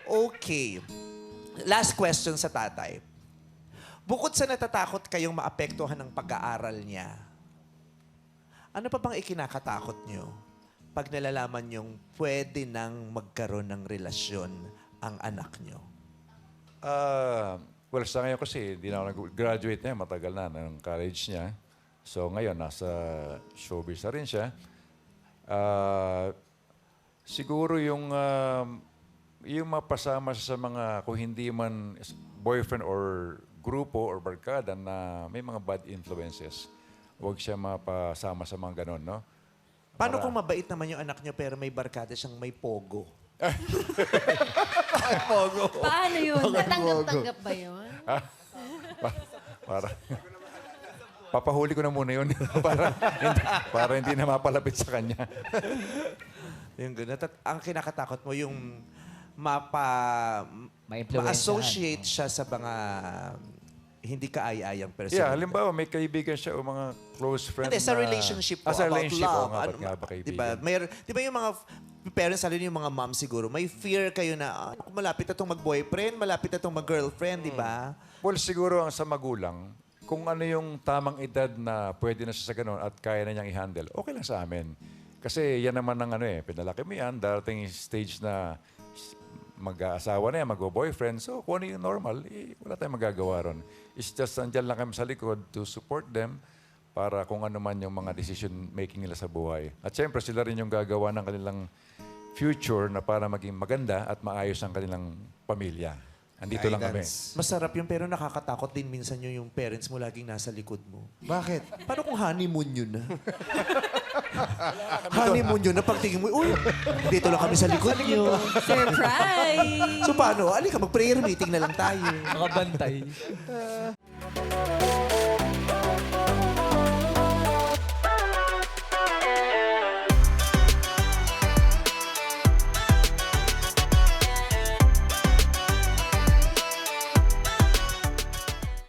Okay. Last question sa tatay. Bukod sa natatakot kayong maapektuhan ng pag-aaral niya, ano pa bang ikinakatakot niyo pag nalalaman niyong pwede nang magkaroon ng relasyon ang anak niyo? Well, sa ngayon kasi, hindi na ako nag-graduate na, matagal na ng college niya. So ngayon, nasa showbiz na rin siya. Siguro yung mapasama siya sa mga, kung hindi man boyfriend or grupo or barkada na may mga bad influences, huwag siya mapasama sa mga ganon, no? Paano kung mabait naman yung anak niyo pero may barkada siyang may pogo? Paano yun? Natanggap-tanggap ba yun? Para papahuli ko na muna yun para hindi na mapalapit sa kanya. Yung ganun. Ang kinakatakot mo yung Ma-influensyahan. ma-associate siya sa mga hindi kaaya-ayang person. Yeah, halimbawa may kaibigan siya o mga close friend Hindi, sa relationship po, sa about relationship, love. oo nga, ba't nga ba kaibigan? Di ba yung mga parents, lalo yung mga mom siguro, may fear kayo na kung malapit na itong mag-boyfriend, malapit na itong mag-girlfriend, di ba? Well, siguro ang sa magulang, kung ano yung tamang edad na pwede na siya sa ganun at kaya na niyang i-handle, okay lang sa amin. Kasi yan naman ang pinalaki mo yan, darating yung stage na mag-aasawa na yan, mag-boyfriend. So, kung ano yung normal, wala tayong magagawa ron. It's just, andyan lang kami sa likod to support them para kung ano man yung mga decision-making nila sa buhay. At syempre, sila rin yung gagawa ng kanilang future na para maging maganda at maayos ang kanilang pamilya. Andito lang kami. Masarap yun, pero nakakatakot din minsan yung parents mo laging nasa likod mo. Bakit? Paano kung honeymoon yun na? Honeymoon yun na pagtingin mo, uy, dito lang kami sa likod niyo. Surprise! So paano? Alika, mag-prayer meeting na lang tayo. Nakabantay.